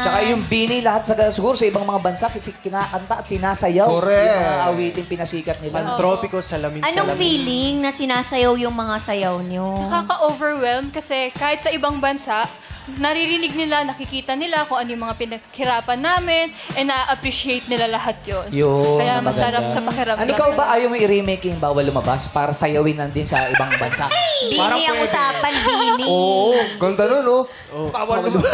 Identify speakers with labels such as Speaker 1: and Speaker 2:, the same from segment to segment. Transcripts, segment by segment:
Speaker 1: Tsaka yung Bini, lahat siguro sa ibang mga bansa, kasi kinakanta at sinasayaw.
Speaker 2: Correct.
Speaker 1: Yung mga awiting pinasikat nila.
Speaker 3: Pantropiko, salamin,
Speaker 4: Anong
Speaker 3: salamin.
Speaker 4: feeling na sinasayaw yung mga sayaw nyo?
Speaker 5: Nakaka-overwhelm kasi kahit sa ibang bansa, naririnig nila, nakikita nila kung ano yung mga pinaghirapan namin, and na-appreciate nila lahat yun.
Speaker 1: Yun,
Speaker 5: Kaya
Speaker 1: na
Speaker 5: masarap
Speaker 1: maganda.
Speaker 5: sa pakiramdam.
Speaker 1: Ikaw ba ayaw mo i-remake yung Bawal Lumabas para sayawin din sa ibang bansa?
Speaker 4: Bini ang usapan, Bini.
Speaker 1: Oo.
Speaker 2: Ganda nun, no? Bawal naman.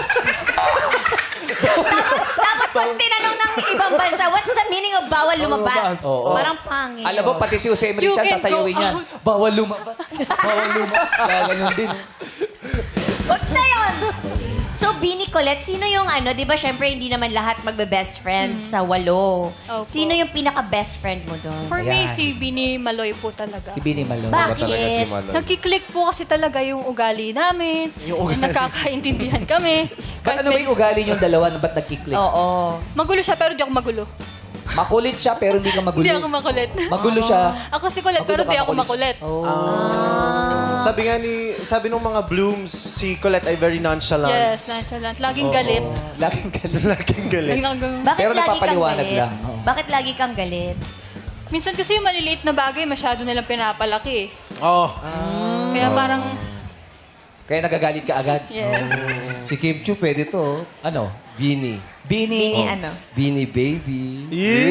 Speaker 4: Tapos pag tinanong ng ibang bansa, what's the meaning of bawal lumabas?
Speaker 1: Oo.
Speaker 4: Parang pangit.
Speaker 1: Alam mo, pati si Jose Emily
Speaker 5: You
Speaker 1: Chan
Speaker 5: can
Speaker 1: sasayawin
Speaker 5: go
Speaker 1: niya.
Speaker 5: out.
Speaker 1: Bawal lumabas. Bawal lumabas. Kaya ganun din.
Speaker 4: Wag na yun! So, Bini Colette, sino yung di ba, syempre, hindi naman lahat magbe-best friends sa walo.
Speaker 5: Opo.
Speaker 4: Sino yung pinaka-best friend mo doon?
Speaker 5: For me,
Speaker 1: Ayan.
Speaker 5: si Bini Maloy po talaga.
Speaker 1: Si Bini Malo.
Speaker 4: Bakit?
Speaker 5: Nagkiklik po kasi talaga yung ugali namin. Nagkakaintindihan kami.
Speaker 1: Ba't ano ba yung ugali niyong dalawa na ba't nagkiklik?
Speaker 4: Oo.
Speaker 5: Magulo siya pero di ako magulo.
Speaker 1: Makulit siya pero hindi ka magulo.
Speaker 5: Hindi ako makulit.
Speaker 1: Magulo siya.
Speaker 5: Ako si kulit pero
Speaker 1: Magulo ka,
Speaker 5: di ako
Speaker 1: makulit
Speaker 5: makulit.
Speaker 1: Oh.
Speaker 3: Sabi nung mga blooms, si Colette ay very nonchalant.
Speaker 5: Yes, nonchalant. Laging galit.
Speaker 1: Laging galit.
Speaker 3: Laging galit.
Speaker 5: Laging ganun.
Speaker 4: Bakit
Speaker 1: Pero
Speaker 4: lagi kang
Speaker 1: napapaliwanag
Speaker 4: galit?
Speaker 1: lang. Oo.
Speaker 4: Bakit lagi kang galit?
Speaker 5: Minsan kasi yung maliliit na bagay, masyado nilang pinapalaki.
Speaker 3: Oh.
Speaker 5: Kaya parang,
Speaker 1: Kaya nagagalit ka agad.
Speaker 5: yeah.
Speaker 2: Si Kim Chu, pwede to.
Speaker 1: Ano?
Speaker 2: Bini.
Speaker 1: Bini.
Speaker 4: Bini ano?
Speaker 2: Bini baby.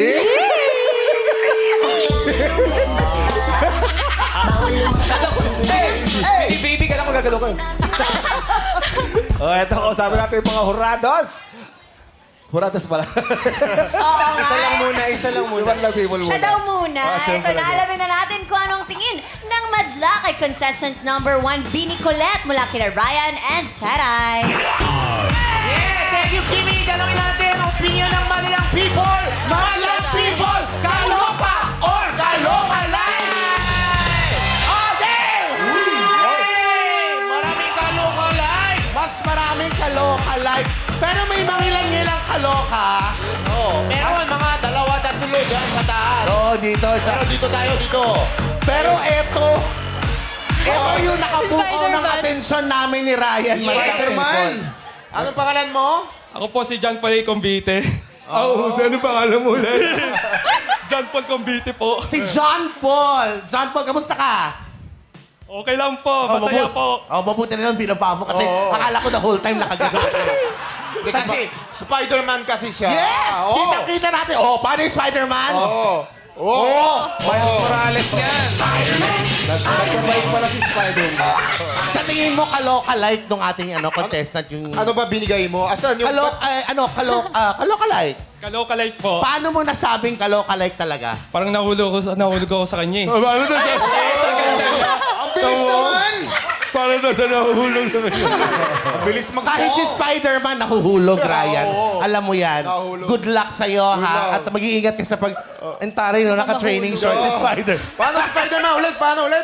Speaker 1: Hey, baby ka lang magagalo ka.
Speaker 2: Oh, eto, kausapin natin yung mga hurados. Hurados pala.
Speaker 4: Oo
Speaker 3: Isa
Speaker 4: nga.
Speaker 3: lang muna, isa lang muna.
Speaker 2: Iwan lang people muna.
Speaker 4: Siya daw muna.
Speaker 2: Ah, siya
Speaker 4: Ito
Speaker 2: pala
Speaker 4: na,
Speaker 2: daw.
Speaker 4: alamin na natin kung anong tingin ng madla kay contestant number 1, Bini Colette, mula kina Ryan and Taray.
Speaker 6: Thank you, Kimi. Dalawin natin ang opinion ng Manilang people. Manilang people, kaloka or kaloka live! Okay! Maraming kaloka live. Mas maraming kaloka live. Pero may mangilang-ngilang kaloka. Oo. Meron mga dalawa, tatlo dyan sa taas.
Speaker 2: Oo, dito.
Speaker 6: Pero dito tayo, dito. Pero ito yung nakabuo ng
Speaker 5: Spider-Man.
Speaker 6: atensyon namin ni Ryan.
Speaker 2: Spider-Man.
Speaker 6: Anong pangalan mo?
Speaker 7: Ako po si John Paul Convite.
Speaker 2: Oh, ano pangalan mo ulit?
Speaker 7: John Paul Convite po.
Speaker 6: Si John Paul. John Paul, kamusta ka?
Speaker 7: Okay lang po, masaya po.
Speaker 6: Mabuti na lang binaba mo kasi akala ko the whole time nakagano. kasi Spider-Man kasi siya. Yes! Kita-kita natin. Oh, paano yung Spider-Man?
Speaker 3: Miles Morales yan.
Speaker 2: Nagpapabait pala si Spider-Man.
Speaker 6: Sa tingin mo, kaloka-like nung ating contestant yung...
Speaker 3: Ano ba binigay mo? Asan yung...
Speaker 6: Kaloka-like.
Speaker 7: Kalokalite po.
Speaker 6: Paano mo nasabing kaloka-like talaga?
Speaker 7: Parang nahulog ako sa kanya eh.
Speaker 3: Ang bilis naman!
Speaker 2: Para na sa nahuhulog sa kanya.
Speaker 3: Ang bilis mag-
Speaker 6: Kahit si Spider-Man nahuhulog, Ryan.
Speaker 3: oo.
Speaker 6: Alam mo yan.
Speaker 3: Nahulog.
Speaker 6: Good luck sa'yo,
Speaker 3: Good
Speaker 6: ha?
Speaker 3: luck.
Speaker 6: At mag-iingat ka sa pag... Entari, no? Naka-training shorts si Spider.
Speaker 3: Paano Spider-Man ulit? Paano ulit?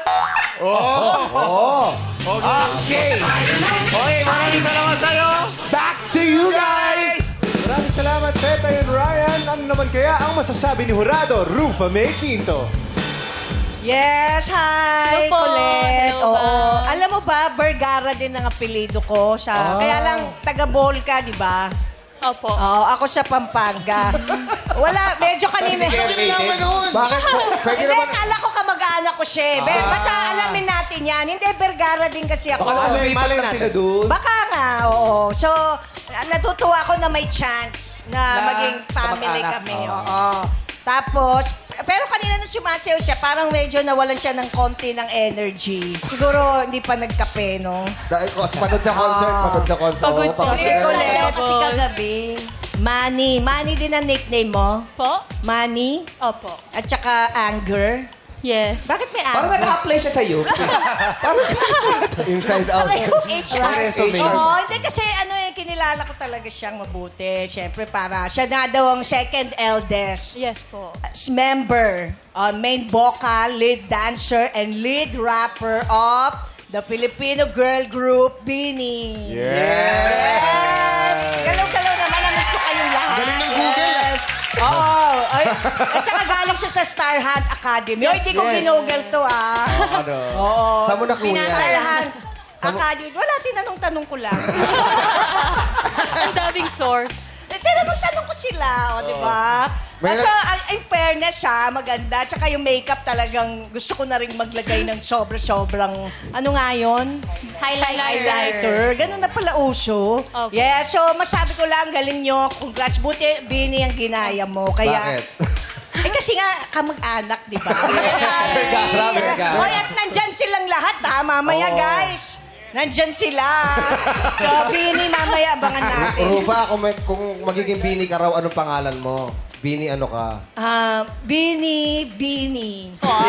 Speaker 6: Okay.
Speaker 3: Okay, maraming salamat tayo.
Speaker 6: Back to you guys!
Speaker 3: Maraming salamat, Teta and Ryan. Ano naman kaya ang masasabi ni Jurado, Rufa May Quinto?
Speaker 8: Yes, hi,
Speaker 5: Hello po.
Speaker 8: Colette.
Speaker 5: Hello,
Speaker 8: Oo.
Speaker 5: ma'am.
Speaker 8: Alam mo ba, Vergara din ang apelido ko. Kaya lang, taga-Bohol ka, di ba?
Speaker 5: Opo.
Speaker 8: Oo, ako sa Pampanga. Wala, medyo kanina.
Speaker 2: Bakit po? Pwede
Speaker 8: Hindi,
Speaker 2: naman...
Speaker 8: kala ko kamag-anak ko siya. Basta alamin natin yan. Hindi, Vergara din kasi ako.
Speaker 1: Baka lumipat lang sila doon.
Speaker 8: Baka nga, oo. So, natutuwa ako na may chance na
Speaker 1: Na
Speaker 8: maging family
Speaker 1: kamag-anak,
Speaker 8: kami.
Speaker 1: oo.
Speaker 8: Oo. Tapos, pero kanina nung sumasayaw siya, parang medyo nawalan siya ng konti ng energy. Siguro hindi pa nagkape, no?
Speaker 2: Dahil panood sa concert, panood sa concert.
Speaker 5: Pagod
Speaker 2: Oo,
Speaker 5: siya.
Speaker 2: pagod
Speaker 4: Kasi
Speaker 8: Colette.
Speaker 4: Colette kasi kagabi.
Speaker 8: Manny. Manny din ang nickname mo?
Speaker 5: Po?
Speaker 8: Manny?
Speaker 5: Opo.
Speaker 8: At saka Anger?
Speaker 5: Yes.
Speaker 8: Bakit may
Speaker 1: Parang
Speaker 8: anger?
Speaker 1: nag-apply siya sa'yo.
Speaker 2: Inside out.
Speaker 4: HR.
Speaker 8: Oo, hindi kasi kinilala ko talaga siyang mabuti. Siyempre, para siya na daw ang second eldest
Speaker 5: Yes po.
Speaker 8: member, main vocal, lead dancer, and lead rapper of the Filipino girl group, Bini. Yes! Galaw-galaw naman. Namiss ko kayong lahat.
Speaker 3: Galing ng Google,
Speaker 8: Yes. Oo. Ay, at saka galing siya sa Star Hunt Academy. Hindi ko ginugol to, ah.
Speaker 2: Ano? Saan mo nakuha?
Speaker 8: Star Hunt Academy. Wala, tinanong-tanong ko lang.
Speaker 5: Ang daming source.
Speaker 8: Tinanong ko sila, di ba?
Speaker 2: May-
Speaker 8: Kaso, in fairness siya, maganda. Tsaka yung makeup talagang gusto ko na rin maglagay ng sobrang, ano nga yun? Highlighter. Ganun na pala uso.
Speaker 5: Okay.
Speaker 8: Yeah, so masabi ko lang, galing nyo. Congrats, buti, Bini, ang ginaya mo. Kaya,
Speaker 2: Bakit?
Speaker 8: kasi nga, kamag-anak, di ba?
Speaker 2: Grabe.
Speaker 8: Hoy, at nandyan silang lahat, ha? Mamaya,
Speaker 2: Oo.
Speaker 8: guys. Nandyan sila. So, Bini, mamaya abangan natin.
Speaker 2: Rufa, kung magiging Bini ka raw, anong pangalan mo? Bini ano ka?
Speaker 8: Bini. Bini,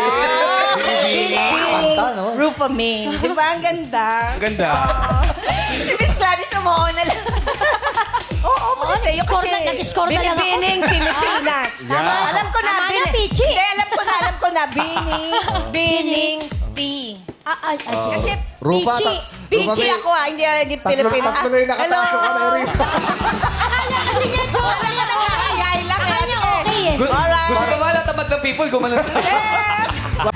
Speaker 1: Kanta, no?
Speaker 8: Rupa May. Di ba? Ang ganda.
Speaker 3: Ganda.
Speaker 4: Si Miss Clarice umuho na lang.
Speaker 8: Oo, maganda. Yung
Speaker 9: nag-score
Speaker 8: kasi
Speaker 9: nag-score na lang ako.
Speaker 8: Binibining Pilipinas.
Speaker 9: Tama.
Speaker 8: Alam ko na.
Speaker 9: Tama na, Pichi.
Speaker 8: Hindi, alam ko na. Bining P. Kasi
Speaker 2: Rufa,
Speaker 9: Pichi.
Speaker 8: Pichi ako hindi Pilipina.
Speaker 2: tatlo na yung nakataso ka na rin.
Speaker 9: Akala kasi niya, joke.
Speaker 8: Wala ka nag-high lang.
Speaker 9: Akala niya okay eh.
Speaker 8: Alright.
Speaker 6: Gusto ko ba lahat ng people gumanon sa'yo?
Speaker 8: Yes!